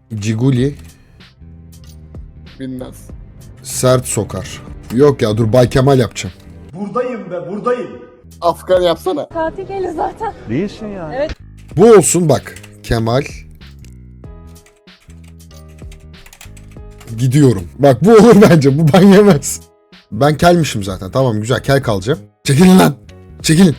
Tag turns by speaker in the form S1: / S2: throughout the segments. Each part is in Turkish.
S1: Ciguli.
S2: Bilmez.
S1: Sert sokar. Yok ya dur Bay Kemal yapacağım.
S3: Buradayım be buradayım.
S2: Afgan yapsana.
S4: Katil değiliz zaten.
S3: Değilsin ya.
S4: Evet.
S1: Bu olsun bak. Kemal. Gidiyorum. Bak bu olur bence. Bu ban yemez. Ben kelmişim zaten. Tamam güzel kel kalacağım. Çekilin lan. Çekilin.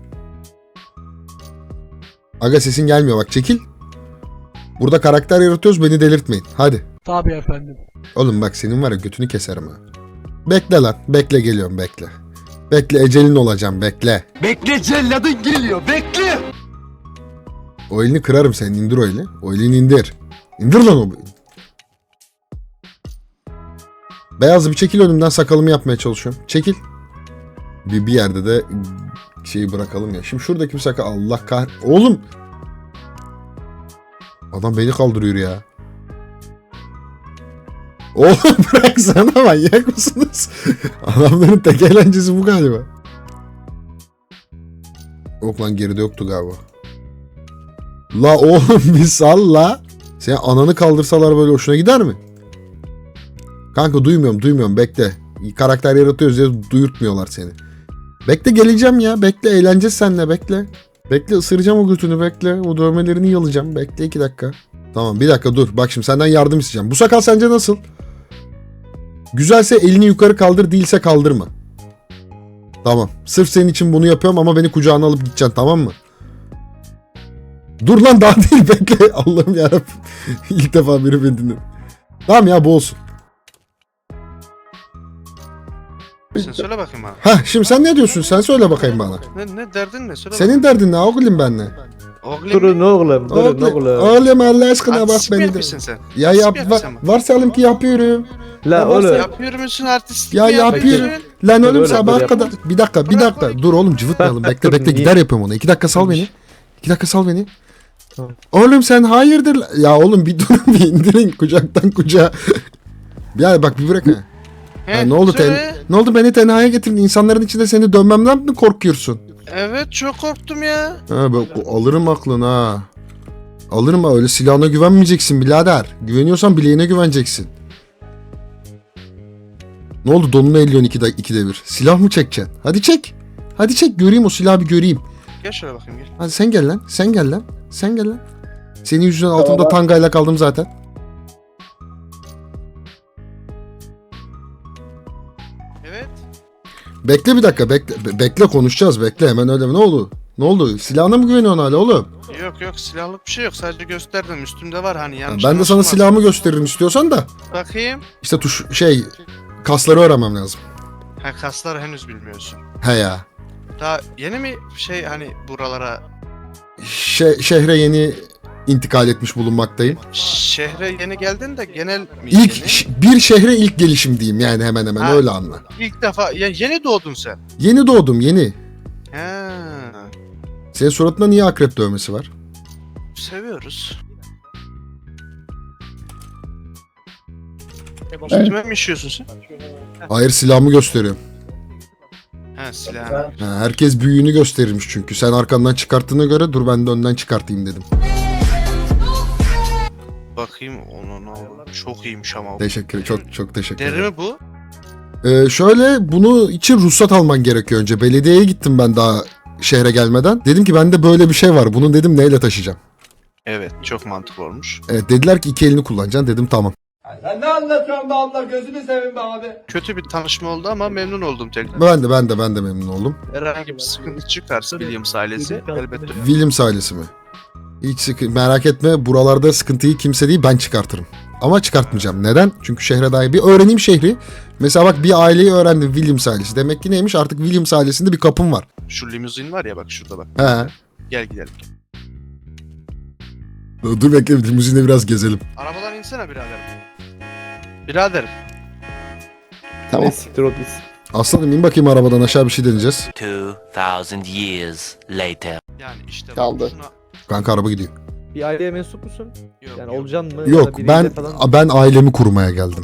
S1: Aga sesin gelmiyor bak çekil. Burada karakter yaratıyoruz beni delirtmeyin. Hadi.
S5: Tabii efendim.
S1: Oğlum bak senin var ya götünü keserim ha. Bekle lan. Bekle geliyorum bekle. Bekle ecelin olacağım bekle.
S3: Bekle celladın geliyor bekle.
S1: O elini kırarım senin indir o eli. O elini indir. İndir lan o. Beyazlı bir çekil önümden sakalımı yapmaya çalışıyorum. Çekil. Bir yerde de şeyi bırakalım ya. Şimdi şuradaki bir sakal Allah kah... Oğlum. Adam beni kaldırıyor ya. Oğlum bıraksana manyak mısınız? Adamların tek eğlencesi bu galiba. Yok lan geride yoktu galiba. La oğlum bir sal la. Senin ananı kaldırsalar böyle hoşuna gider mi? Kanka duymuyorum bekle. Karakter yaratıyoruz diye duyurtmuyorlar seni. Bekle geleceğim ya bekle eğleneceğiz seninle bekle. Bekle ısıracağım o götünü bekle. O dövmelerini yalayacağım bekle 2 dakika. Tamam bir dakika dur bak şimdi senden yardım isteyeceğim. Bu sakal sence nasıl? Güzelse elini yukarı kaldır değilse kaldırma. Tamam sırf senin için bunu yapıyorum ama beni kucağına alıp gideceksin tamam mı? Dur lan daha değil bekle. Allah'ım yarabbim. İlk defa biri beni dinledi. Tamam ya bu olsun.
S6: Sen söyle bakayım bana.
S1: Heh şimdi sen ne diyorsun? Sen söyle bakayım bana.
S6: Ne derdin ne? Söyle
S1: Senin derdin ne oğlum benle?
S6: bakayım.
S3: Durun oğlum durun oğlum.
S1: Oğlum Allah aşkına bak
S6: Artist mi
S1: beni de.
S6: yapıyorsun sen?
S1: Ya
S6: Artist
S1: yap
S6: mi yapıyorsun sen?
S1: varsayalım ki yapıyorum.
S3: La
S1: varsa-
S3: oğlum.
S6: Yapıyor musun artist?
S1: Ya yapıyorum. Lan oğlum
S3: Böyle,
S1: sabaha
S3: böyle
S1: kadar. Bir dakika. Dur oğlum cıvıtmayalım. Bekle
S3: Niye?
S1: gider yapıyorum onu. 2 dakika sal beni. 2 dakika sal beni.
S3: Tamam.
S1: Oğlum sen hayırdır? Ya oğlum bir durun bir indirin kucaktan kucağa. Ya bak bir bırak ha. Ha, ne oldu ne oldu beni tenhaya getirdin? İnsanların içinde seni dönmemden mi korkuyorsun?
S6: Evet çok korktum ya.
S1: Ha bak alırım aklını ha. Alırım ha öyle silahına güvenmeyeceksin birader. Güveniyorsan bileğine güveneceksin. Ne oldu donunu elliyorsun 2'de 1. Silah mı çekeceksin? Hadi çek. Hadi çek göreyim o silahı bir göreyim.
S6: Gel şöyle bakayım gel.
S1: Hadi sen gel lan. Sen gel lan. Sen gel lan. Senin yüzünden altımda tangayla kaldım zaten.
S6: Evet.
S1: Bekle bir dakika bekle konuşacağız bekle hemen öyle mi ne oldu? Ne oldu? Silahına mı güveniyorsun hala oğlum?
S6: Yok silahlık bir şey yok. Sadece gösterdim. Üstümde var hani yanlış.
S1: Ben de sana
S6: anlaşılmaz.
S1: silahımı gösteririm istiyorsan da.
S6: Bakayım.
S1: İşte kasları öğrenmem lazım.
S6: Ha kasları henüz bilmiyorsun.
S1: He ya.
S6: Daha yeni mi hani buralara
S1: Şehre yeni intikal etmiş bulunmaktayım.
S6: şehre yeni geldin de genel mi
S1: Bir şehre ilk gelişim diyeyim yani hemen
S6: Ha.
S1: öyle anla.
S6: İlk defa yeni doğdun sen.
S1: Yeni doğdum yeni.
S6: He.
S1: Senin suratında niye akrep dövmesi var?
S6: Seviyoruz. Üstüme mi işiyorsun sen?
S1: Hayır silahımı gösteriyorum.
S6: He silah.
S1: Ha, herkes büyüğünü gösterirmiş çünkü. Sen arkandan çıkarttığına göre dur ben de önden çıkartayım dedim.
S6: Bakayım onu ne oldu? Çok iyiymiş ama. o.
S1: Teşekkür çok teşekkür
S6: Deri
S1: ederim.
S6: mi bu?
S1: Şöyle bunu için ruhsat alman gerekiyor önce. Belediyeye gittim ben daha şehre gelmeden. Dedim ki bende böyle bir şey var. Bunu dedim neyle taşıyacağım?
S6: Evet çok mantıklı olmuş.
S1: Evet dediler ki 2 elini kullanacaksın. Dedim tamam.
S3: Sen ne anlatıyorsun be abla gözünü seveyim be abi.
S6: Kötü bir tanışma oldu ama memnun oldum tekrar.
S1: Ben de memnun oldum.
S6: Herhangi bir sıkıntı çıkarsa Williams ailesi elbette.
S1: Williams ailesi mi? Hiç merak etme buralarda sıkıntıyı kimse değil ben çıkartırım. Ama çıkartmayacağım. Neden? Çünkü şehre dair bir öğreneyim şehri. Mesela bak bir aileyi öğrendim Williams ailesi. Demek ki neymiş artık Williams ailesinde bir kapım var.
S6: Şu limuzin var ya bak şurada bak.
S1: He.
S6: Gel gidelim.
S1: Dur bekle limuzinde biraz gezelim.
S6: Arabadan insene biraderim. Biraderim.
S2: Tamam.
S3: Siktir ol biz.
S1: Aslanım in bakayım arabadan aşağı bir şey deneyeceğiz.
S7: 2000 years later.
S6: Yani işte bak
S2: Kaldı.
S6: şuna...
S1: Kanka araba gidiyor.
S3: Bir aileye mensup musun?
S6: Yok,
S3: Yani
S6: yok.
S3: olacaksın mı?
S1: Yok
S3: Ya da biriyle falan-
S1: ben ailemi kurmaya geldim.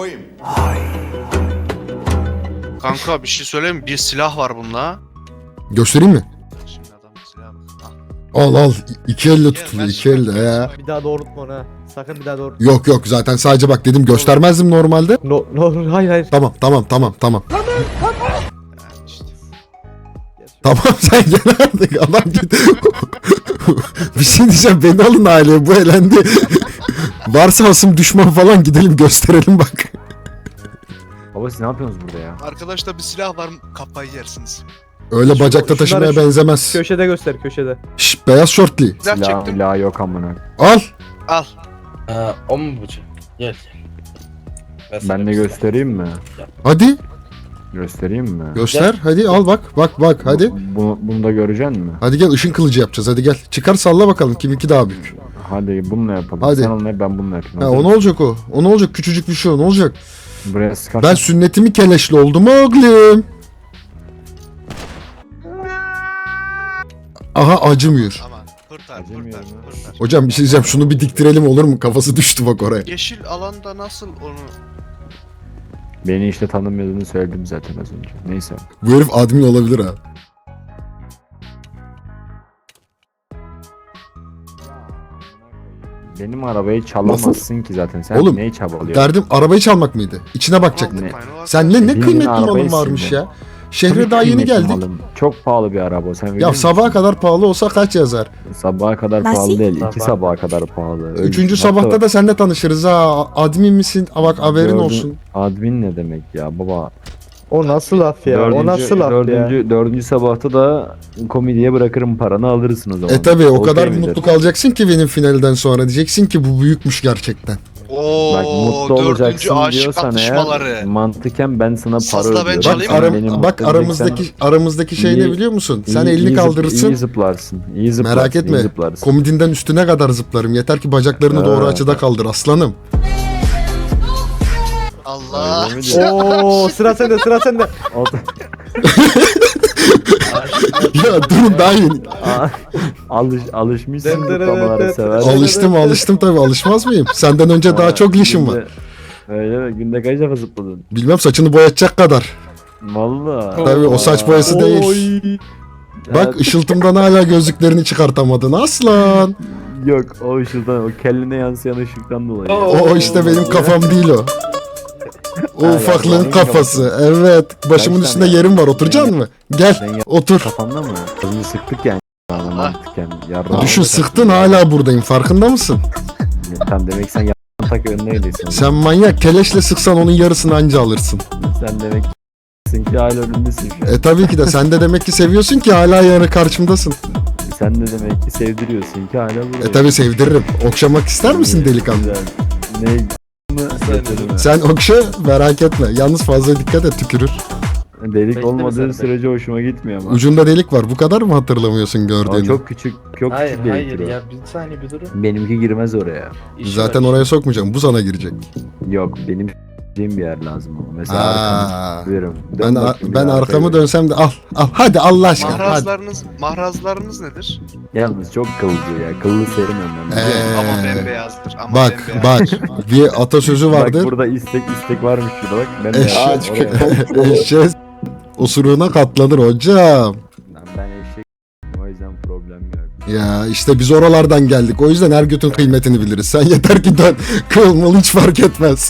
S6: Kanka bir şey söyleyeyim mi? Bir silah var bunda.
S1: Göstereyim mi?
S6: Şimdi adamın silahı bak.
S1: Al al. İki elle tutuluyor. İki elle ya.
S3: Bir daha doğrultma onu ha. Sakın bir daha doğrultma.
S1: Yok yok zaten sadece bak dedim göstermezdim normalde.
S3: No, hayır hayır.
S1: Tamam.
S6: İşte.
S1: Tamam sen gel artık adam git. Bir şey diyeceğim beni alın aileye bu elendi. Varsa hasım düşman falan gidelim gösterelim bak.
S4: Baba siz ne yapıyorsunuz burada ya?
S6: Arkadaşta bir silah var, kafayı yersiniz.
S1: Öyle bacakta
S3: şunları
S1: taşımaya
S3: şu-
S1: benzemez.
S3: Köşede göster köşede.
S1: Şş, beyaz şortli.
S6: Silah
S4: Silah
S6: çektim.
S4: milah yok amına.
S1: Al.
S6: Al.
S5: O mu bu? Gel.
S4: Ben de göstereyim mi?
S1: Hadi
S4: Göstereyim mi?
S1: göster. Hadi al bak. Bak hadi.
S4: Bunu da göreceksin mi?
S1: Hadi gel ışın kılıcı yapacağız. Hadi gel. Çıkar salla bakalım kiminki daha büyük.
S4: Hadi bununla yapalım.
S1: Hadi.
S4: Sen onunla ben bununla yapayım.
S1: Ha,
S4: Hadi.
S1: o ne olacak o? O ne olacak? Küçücük bir şey o ne olacak?
S4: Buraya sıkar.
S1: Ben sünnetimi keleşli oldum oğlum. Aha acımıyor.
S6: Ama kurtar.
S4: Acımıyor mu?
S1: Hocam bir şey diyeceğim şunu bir diktirelim olur mu? Kafası düştü bak oraya.
S6: Yeşil alanda nasıl onu...
S4: Beni işte tanımıyordunu söyledim zaten az önce. Neyse.
S1: Bu herif admin olabilir ha.
S4: Benim arabayı çalamazsın ki zaten. Sen
S1: Oğlum,
S4: neyi çabalıyorsun?
S1: Derdim arabayı çalmak mıydı? İçine bakacaktık.
S4: Ne?
S1: Sen ne
S4: Birinin
S1: kıymetli
S4: arabayı
S1: malın varmış
S4: sildi.
S1: ya. Şehre
S4: Tabii
S1: daha yeni
S4: kıymetli
S1: geldik.
S4: malım. Çok pahalı bir araba. Sen
S1: Ya
S4: biliyor
S1: sabaha
S4: musun?
S1: kadar pahalı olsa kaç yazar?
S4: Sabaha kadar
S8: Nasıl?
S4: pahalı değil.
S3: Sabah.
S4: İki sabaha kadar pahalı. Öyle.
S1: Üçüncü
S4: Hatta
S1: sabahta da seninle tanışırız ha. Admin misin? Ha bak haberin
S4: dördün-
S1: olsun.
S4: Admin ne demek ya baba?
S3: O nasıl laf ya? O nasıl laf ya?
S4: Dördüncü sabahta da komediye bırakırım paranı alırsın o zaman.
S1: E tabi o
S4: Okey
S1: kadar
S4: midir?
S1: mutlu kalacaksın ki benim finalden sonra. Diyeceksin ki bu büyükmüş gerçekten.
S4: Bak mutlu
S6: Ooo dördüncü
S4: olacaksın
S6: aşık
S4: diyorsan
S6: atışmaları.
S4: eğer mantıken ben sana para
S6: Sazla ben
S4: ödüyorum.
S1: Bak,
S6: çalayım
S4: Sen
S6: mı?
S4: beni
S1: bak
S4: mutlu
S1: aramızdaki şey ne
S4: İyi-
S1: biliyor musun? Sen
S4: İyi-
S1: elini
S4: iyi
S1: kaldırırsın.
S4: iyi zıplarsın. İyi zıplarsın.
S1: Merak etme.
S4: iyi zıplarsın.
S1: Komedinden üstüne kadar zıplarım. Yeter ki bacaklarını doğru
S4: Ha.
S1: açıda kaldır aslanım.
S6: Allah.
S4: Öyle mi diyor?
S3: Oo sıra sende sıra sende.
S1: Ya durun daha yeni.
S4: Alışmışsın
S3: Evet, evet,
S4: zıplamalara
S3: evet.
S4: sever.
S1: Alıştım tabii alışmaz mıyım? Senden önce daha çok lişim var.
S4: Öyle mi? Günde kaç defa zıpladın?
S1: Bilmem saçını boyatacak kadar.
S4: Valla.
S1: Tabii o saç boyası değil. Bak ışıltımdan hala gözlüklerini çıkartamadın aslan.
S4: Yok o ışıldan, o kelline yansıyan ışıktan dolayı.
S1: O işte benim kafam değil o. O
S4: Ha,
S1: ufaklığın
S4: yani
S1: kafası. Evet. Başımın
S4: Kaç
S1: üstünde
S4: tane?
S1: yerim var. Oturacaksın mı? Gel.
S4: Ben
S1: Otur.
S4: Kafamda mı? Kızını sıktık yani. Mantıken. Yardım.
S1: Düşün sıktın hala buradayım. Farkında mısın?
S4: Tam demek sen tak önündeydisin.
S1: Sen manyak. Keleşle sıksan onun yarısını anca alırsın.
S4: Sen demek ki hala önündesin şu an.
S1: Tabii ki de. Sen de demek ki seviyorsun ki hala yarı karşımdasın.
S4: Sen de demek ki sevdiriyorsun ki hala buradayım.
S1: Tabii sevdiririm. Okşamak ister misin delikanlı?
S4: Güzel. Ne?
S1: Sen okşa merak etme. Yalnız fazla dikkat et tükürür.
S4: Delik
S5: Bekle
S4: olmadığı
S5: mesela,
S4: sürece hoşuma gitmiyor ama.
S1: Ucunda delik var. Bu kadar mı hatırlamıyorsun
S4: Ama
S1: gördüğünü?
S4: çok küçük, çok
S5: Hayır
S4: küçük
S5: hayır
S4: deliktir o.
S5: ya bir saniye bir durun.
S4: Benimki girmez oraya.
S5: İşi
S1: Zaten
S5: var.
S1: oraya sokmayacağım. Bu sana girecek.
S4: Yok benim bir yer lazım ama. Mesela
S1: Aa,
S4: arkamı veririm.
S1: ben arkamı dönsem de al. Hadi Allah aşkına. Hadi.
S6: Mahrazlarınız nedir?
S4: Yalnız çok kıllı ya. Kıllı sevmiyorum ben.
S6: Ama bembeyazdır. Ama
S1: Bak
S6: bembeyaz.
S1: bak bir atasözü
S4: Bak
S1: vardır.
S4: burada istek varmış şurada bak. Ben de
S1: Eşek-
S4: yaptım oraya.
S1: Eşeğe osuruğuna katlanır hocam.
S4: Ben eşek o yüzden problem yok.
S1: Ya işte biz oralardan geldik. O yüzden her götün kıymetini biliriz. Sen yeter ki dön. Kılmalı hiç fark etmez.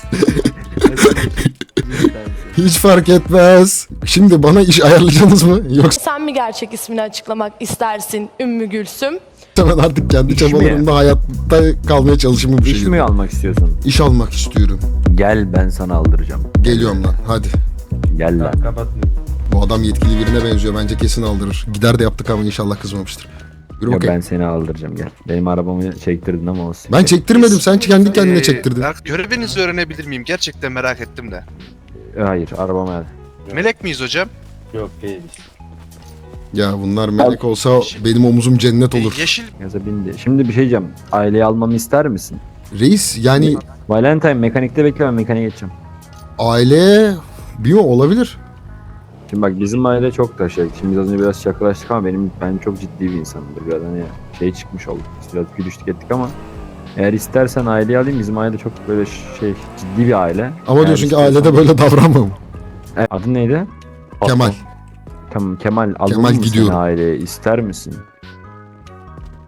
S1: Hiç fark etmez. Şimdi bana iş ayarlayacaksınız mı? Yoksa
S8: Sen mi gerçek ismini açıklamak istersin Ümmü Gülsüm?
S1: ben artık kendi
S4: İş mi?
S1: çabalarımda hayatta kalmaya çalışımı bir
S4: İş
S1: şey.
S4: mi almak istiyorsun?
S1: İş almak istiyorum.
S4: Gel ben sana aldıracağım.
S1: Geliyorum lan hadi.
S4: Gel lan.
S5: Kapat.
S1: Bu adam yetkili birine benziyor. Bence kesin aldırır. Gider de yaptık ama inşallah kızmamıştır. Yürü
S4: Ya
S1: bakayım.
S4: ben seni aldıracağım gel. Benim arabamı çektirdin ama olsun.
S1: Ben çektirmedim. Sen kendi kendine çektirdin.
S6: Görevinizi öğrenebilir miyim? Gerçekten merak ettim de.
S4: Hayır arabama gel.
S6: Melek miyiz hocam?
S5: Yok değil.
S1: Ya bunlar melek olsa benim omuzum cennet olur.
S6: Yeşil
S4: Gaza bindi. Şimdi bir şey diyeceğim. Aileyi almamı ister misin?
S1: Reis yani
S4: Valentine mekanikte bekle ben mekaniğe geçeceğim.
S1: aile bilmiyorum olabilir.
S4: Şimdi bak bizim aile çok da şey. Şimdi biz az önce biraz şakalaştık ama ben çok ciddi bir insanımdır. Biraz hani şey çıkmış olduk. Biz biraz gülüştük ettik ama eğer istersen aileyi alayım. Bizim aile çok böyle şey ciddi bir aile.
S1: Ama
S4: Eğer
S1: diyorsun ki
S4: istiyorsan-
S1: ailede böyle davranmam.
S4: Adın neydi?
S1: Kemal.
S4: Tamam Kemal alalım
S1: Kemal
S4: mı
S1: gidiyorum.
S4: seni aileye ister misin?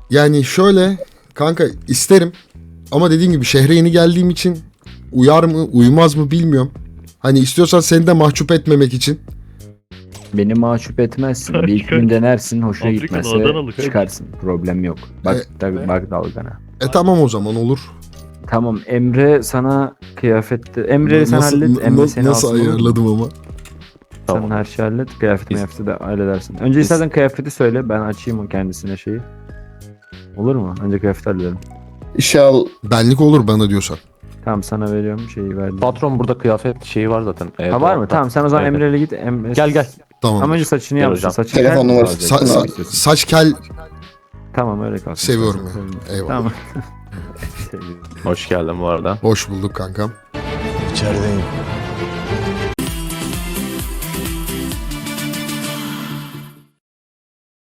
S1: Yani şöyle kanka isterim ama dediğim gibi şehre yeni geldiğim için uyar mı uymaz mı bilmiyorum. Hani istiyorsan seni de mahcup etmemek için.
S4: Beni mahcup etmezsin. Bir iki gün denersin, hoşuna gitmezse çıkarsın. Problem yok. Bak tabii bak dalgana.
S1: Tamam o zaman olur.
S4: Tamam Emre sana kıyafette... Emre'yi sen
S1: Nasıl-
S4: hallet. Emre seni
S1: nasıl
S4: alsın, olur mu?
S1: ayarladım ama.
S4: Sen her şeyi hallet. Kıyafeti de halledersin. Önce istersen kıyafeti söyle. Ben açayım o kendisine şeyi. Olur mu? Önce kıyafeti halledelim.
S2: İşe al.
S1: Benlik olur bana diyorsan.
S4: Tamam sana veriyorum şeyi verdim.
S9: Patron burada kıyafet şeyi var zaten.
S4: Ha var mı? Tamam sen o zaman
S9: Evet.
S4: Emre'yle git. Emre...
S9: Gel gel.
S1: Tamam.
S4: Ama önce saçını
S9: Gel
S4: yapmışsın.
S9: hocam.
S4: Saçını
S2: Telefon
S4: kel-
S2: numarası.
S1: Saç kel
S4: Tamam öyle kalsın.
S1: seviyorum ya. Eyvallah.
S4: Tamam.
S9: Hoş geldin bu arada.
S1: Hoş bulduk kankam.
S10: İçerideyim.